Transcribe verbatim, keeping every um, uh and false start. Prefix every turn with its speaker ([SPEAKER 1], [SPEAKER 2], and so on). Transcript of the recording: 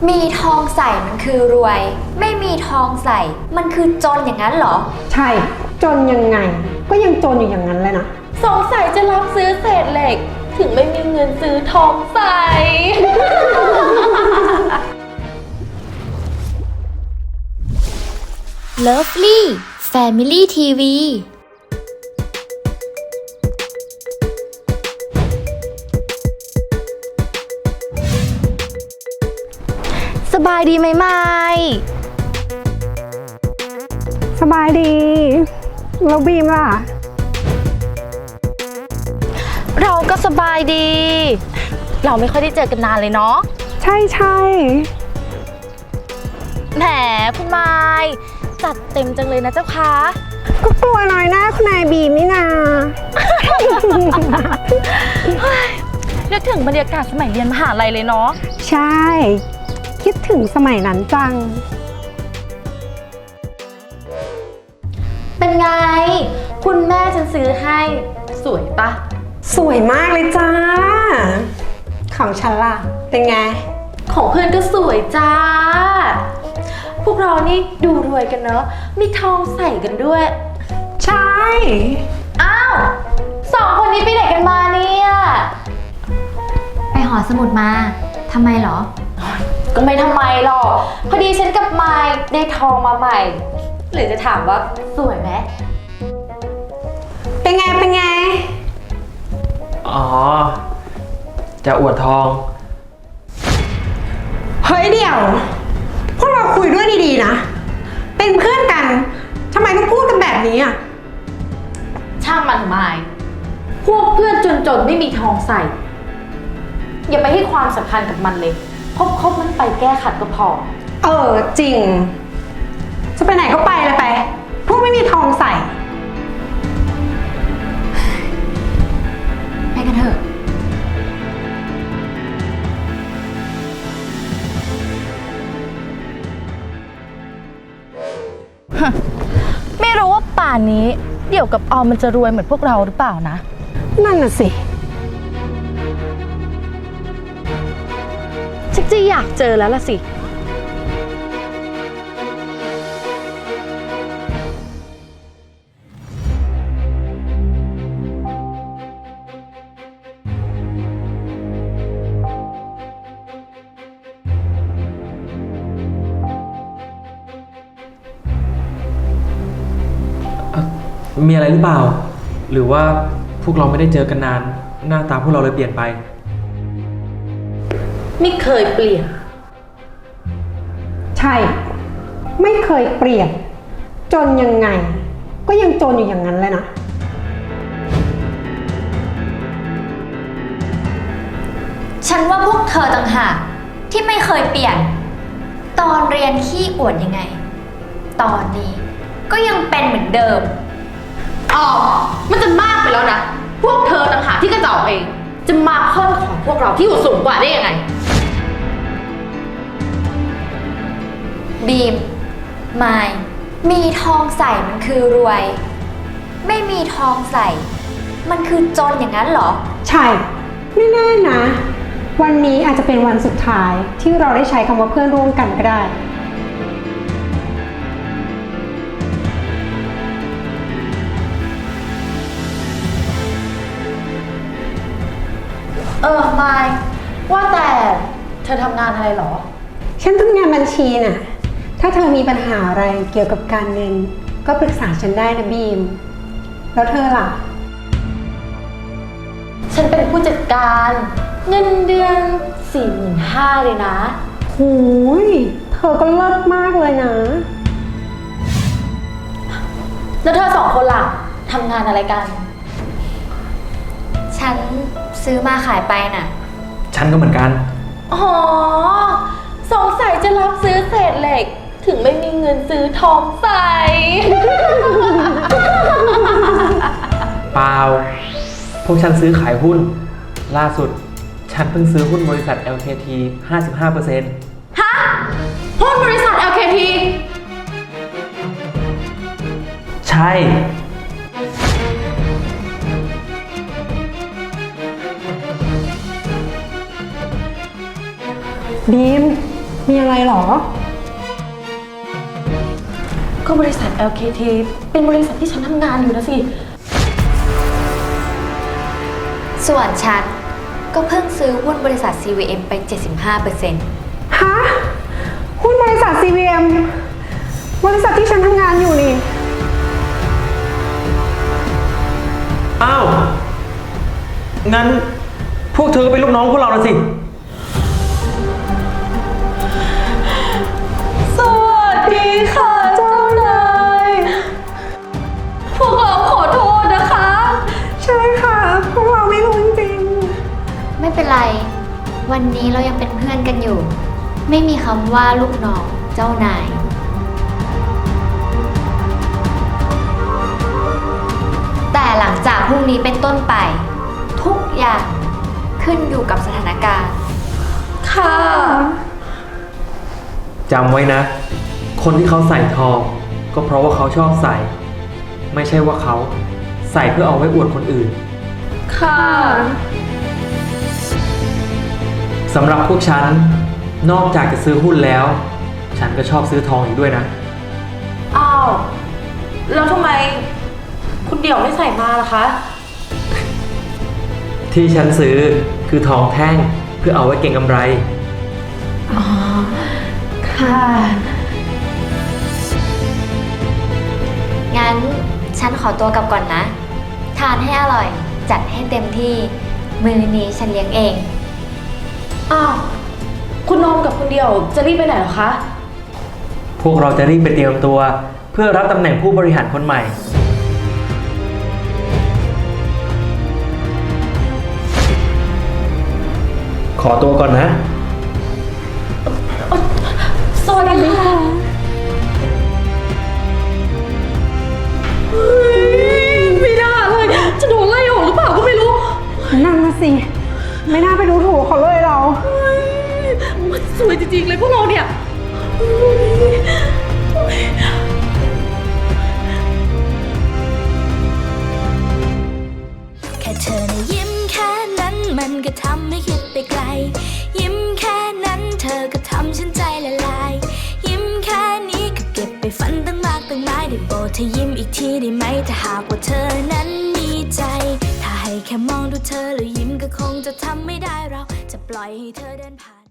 [SPEAKER 1] มีทองใส่มันคือรวยไม่มีทองใส่มันคือจนอย่างนั้นเหรอ
[SPEAKER 2] ใช่จนยังไงก็ยังจนอยู่อย่างนั้นเลยนะ
[SPEAKER 3] สงสัยจะรับซื้อเศษเหล็กถึงไม่มีเงินซื้อทองใส่
[SPEAKER 1] Lovely Family ที วี
[SPEAKER 3] สบายดีไหมไม่
[SPEAKER 2] สบายดีแล้วบีมล่ะ
[SPEAKER 3] เราก็สบายดี เราไม่ค่อยได้เจอกันนานเลยเนาะ
[SPEAKER 2] ใช่ใช่
[SPEAKER 3] แหมคุณไม้จัดเต็มจังเลยนะเจ้าคะ
[SPEAKER 2] ก็กลัวน้อยหน้าคุณนายบีมนี่นา
[SPEAKER 3] นึกถึงบรรยากาศสมัยเรียนมหาลัยเลยเนาะ
[SPEAKER 2] ใช่คิดถึงสมัยนั้นจัง
[SPEAKER 3] เป็นไงคุณแม่ฉันซื้อให้สวยปะ
[SPEAKER 2] สวยมากเลยจ้าของฉันล่ะเป็นไง
[SPEAKER 3] ของเพื่อนก็สวยจ้าพวกเรานี่ดูรวยกันเนอะมีทองใส่กันด้วย
[SPEAKER 2] ใช่
[SPEAKER 3] อ้าวสองคนนี้ไปไหนกันมาเนี่ย
[SPEAKER 1] ไปหอสมุดมาทำไมเหรอ
[SPEAKER 3] ก็ไม่ทำไมหรอกพอดีฉันกับไมค์ได้ทองมาใหม่หรือจะถามว่าสวยไหม
[SPEAKER 2] เป็นไงเป็นไง
[SPEAKER 4] อ๋อจะอวดทอง
[SPEAKER 2] เฮ้ยเดี๋ยวพวกเราคุยด้วยดีๆนะเป็นเพื่อนกันทำไมต้องพูดกันแบบนี้อ่ะ
[SPEAKER 3] ช่างมันไมค์พวกเพื่อนจนๆไม่มีทองใส่อย่าไปให้ความสำคัญกับมันเลยคบๆมันไปแก้ขัดก็พอ
[SPEAKER 2] เออจริงจะไปไหนก็ไปเลยไปพวกไม่มีทองใส่
[SPEAKER 1] ไปกันเถอะ
[SPEAKER 3] ไม่รู้ว่าป่านนี้เดี่ยวกับออมมันจะรวยเหมือนพวกเราหรือเปล่านะ
[SPEAKER 2] นั่นน่ะสิ
[SPEAKER 3] ชักจะอยากเจอแล้วล่ะสิ
[SPEAKER 4] มีอะไรหรือเปล่าหรือว่าพวกเราไม่ได้เจอกันนานหน้าตาพวกเราเลยเปลี่ยนไป
[SPEAKER 3] ไม่เคยเปลี่ยน
[SPEAKER 2] ใช่ไม่เคยเปลี่ยนจนยังไงก็ยังจนอยู่อย่างนั้นเลยนะ
[SPEAKER 1] ฉันว่าพวกเธอต่างหากที่ไม่เคยเปลี่ยนตอนเรียนขี้อวดยังไงตอนนี้ก็ยังเป็นเหมือนเดิม
[SPEAKER 3] อ๋อมันจะมากไปแล้วนะพวกเธอต่างหากที่กระจอกเองจะมาค้อนของพวกเราที่อยู่สูงกว่าได้ยังไง
[SPEAKER 1] บีมไมค์มีทองใส่มันคือรวยไม่มีทองใส่มันคือจนอย่างนั้นเหรอ
[SPEAKER 2] ใช่ไม่แน่นะวันนี้อาจจะเป็นวันสุดท้ายที่เราได้ใช้คำว่าเพื่อนร่วมกันก็ได้
[SPEAKER 3] เออไมค์ว่าแต่เธอทำงานอะไรหรอ
[SPEAKER 2] ฉันทำงานบัญชีน่ะถ้าเธอมีปัญหาอะไรเกี่ยวกับการเงินก็ปรึกษาฉันได้นะบีมแล้วเธอล่ะ
[SPEAKER 3] ฉันเป็นผู้จัดการเงินเดือนสี่หมื่นห้าเลยนะ
[SPEAKER 2] หูยเธอก็เลิศมากเลยนะ
[SPEAKER 3] แล้วเธอสองคนล่ะทำงานอะไรกัน
[SPEAKER 1] ฉันซื้อมาขายไปน่ะ
[SPEAKER 4] ฉันก็เหมือนกัน
[SPEAKER 3] อ๋อสงสัยจะรับซื้อเศษเหล็กถึงไม่มีเงินซื้อทองใส่
[SPEAKER 4] เปล่าพวกฉันซื้อขายหุ้นล่าสุดฉันเพิ่งซื้อหุ้นบริษัท แอล เค ที ห้าสิบห้าเปอร์เซ็นต์
[SPEAKER 3] ฮะหุ้นบริษัท แอล เค ที
[SPEAKER 4] ใช่
[SPEAKER 2] บีมมีอะไรหรอ
[SPEAKER 3] ก็บริษัท แอล เค ที เป็นบริษัทที่ฉันทำงานอยู่นะสิ
[SPEAKER 1] ส่วนฉันก็เพิ่งซื้อหุ้นบริษัท ซี วี เอ็ม ไป เจ็ดสิบห้าเปอร์เซ็นต์
[SPEAKER 2] ฮะ หุ้นบริษัท ซี วี เอ็ม บริษัทที่ฉันทำงานอยู่นี่
[SPEAKER 4] อ้าว งั้นพวกเธอก็เป็นลูกน้องพวกเราแล้วสิ
[SPEAKER 3] สวัสดีค่ะเจ้านาย พวกเราขอโทษนะคะ
[SPEAKER 2] ใช่ค่ะ พวกเราไม่รู้จริง
[SPEAKER 1] ไม่เป็นไร วันนี้เรายังเป็นเพื่อนกันอยู่ ไม่มีคำว่าลูกน้องเจ้านาย แต่หลังจากพรุ่งนี้เป็นต้นไป ทุกอย่างขึ้นอยู่กับสถานการณ์
[SPEAKER 3] ค่ะ
[SPEAKER 4] จำไว้นะ คนที่เขาใส่ทอง ก็เพราะว่าเขาชอบใส่ ไม่ใช่ว่าเขาใส่เพื่อเอาไว้อวดคนอื่น
[SPEAKER 3] ค่ะ
[SPEAKER 4] สำหรับพวกฉัน นอกจากจะซื้อหุ้นแล้ว ฉันก็ชอบซื้อทองอีกด้วยนะ
[SPEAKER 3] อ้าว แล้วทำไม คุณเดี่ยวไม่ใส่มาล่ะคะ
[SPEAKER 4] ที่ฉันซื้อคือทองแท่งเพื่อเอาไว้เก็งกำไร
[SPEAKER 3] ค่ะ
[SPEAKER 1] งั้นฉันขอตัวกลับก่อนนะ ทานให้อร่อย จัดให้เต็มที่ มื้อนี้ฉันเลี้ยงเอง
[SPEAKER 3] อ้าว คุณนอมกับคุณเดี่ยวจะรีบไปไหนเหรอคะ
[SPEAKER 4] พวกเราจะรีบไปเตรียมตัว เพื่อรับตำแหน่งผู้บริหารคนใหม่ ขอตัวก่อนนะ
[SPEAKER 3] สวัสดีค่ะไม่น่าเลย จะโดนไล่ออกหรือเปล่าก็ไม่รู้
[SPEAKER 2] ๆ นั่นนะสิ ไม่น่าไปดูถูกเขาเลยเรา
[SPEAKER 3] มันสวยจริงๆเลยพวกเราเนี่ย
[SPEAKER 5] แค่เธอนะยิ้มแค่นั้นมันก็ทำให้คิดไปไกล ยิ้มแค่นั้นเธอก็ทำฉันใจละลาย ยิ้มแค่นี้ก็เก็บไปฝันตั้งมากตั้งหลายได้โปรดเธอยิ้มอีกทีได้ไหมถ้าหากว่าเธอนั้นมีใจ ถ้าให้แค่มองดูเธอแล้วยิ้มก็คงจะทำไม่ได้เราจะปล่อยให้เธอเดินผ่าน